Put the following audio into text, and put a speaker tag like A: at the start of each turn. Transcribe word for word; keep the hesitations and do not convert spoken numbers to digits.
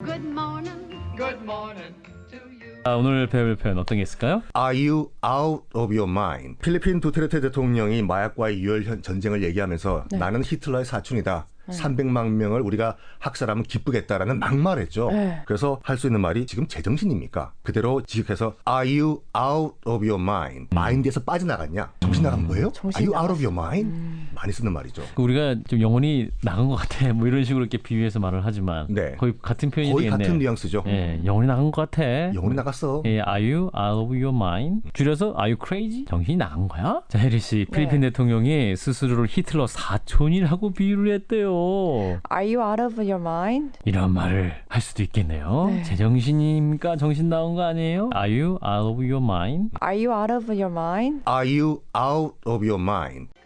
A: Good morning.
B: Good morning to you.
C: 아, 오늘 배울 표현 어떤 게 있을까요?
D: Are you out of your mind? 필리핀 두테르테 대통령이 마약과의 유혈 현- 전쟁을 얘기하면서
E: 네.
D: 나는 히틀러의 사촌이다. 삼백만 명을 우리가 학살하면 기쁘겠다라는 막말했죠.
E: 네.
D: 그래서 할 수 있는 말이 지금 제정신입니까? 그대로 지적해서 Are you out of your mind? 마인드에서 빠져나갔냐? 정신 나간 거예요?
E: 정신
D: Are you out of
E: 나갔어.
D: your mind? 많이 쓰는 말이죠.
C: 그 우리가 좀 영혼이 나간 것 같아. 뭐 이런 식으로 이렇게 비유해서 말을 하지만
D: 네.
C: 거의 같은 표현이
D: 거의
C: 되겠네요.
D: 같은 뉘앙스죠.
C: 예, 영혼이 나간 것 같아.
D: 영혼이 나갔어.
C: 예, Are you out of your mind? 줄여서 Are you crazy? 정신이 나간 거야? 자, 혜리 씨, 필리핀
E: 네.
C: 대통령이 스스로를 히틀러 사촌이라고 비유를 했대요.
E: Are you out of your mind?
C: 이런 말을 할 수도 있겠네요.
E: 네.
C: 제정신입니까? 정신 나온 거 아니에요? Are you out of your mind?
E: Are you out of your mind?
D: Are you out of your mind?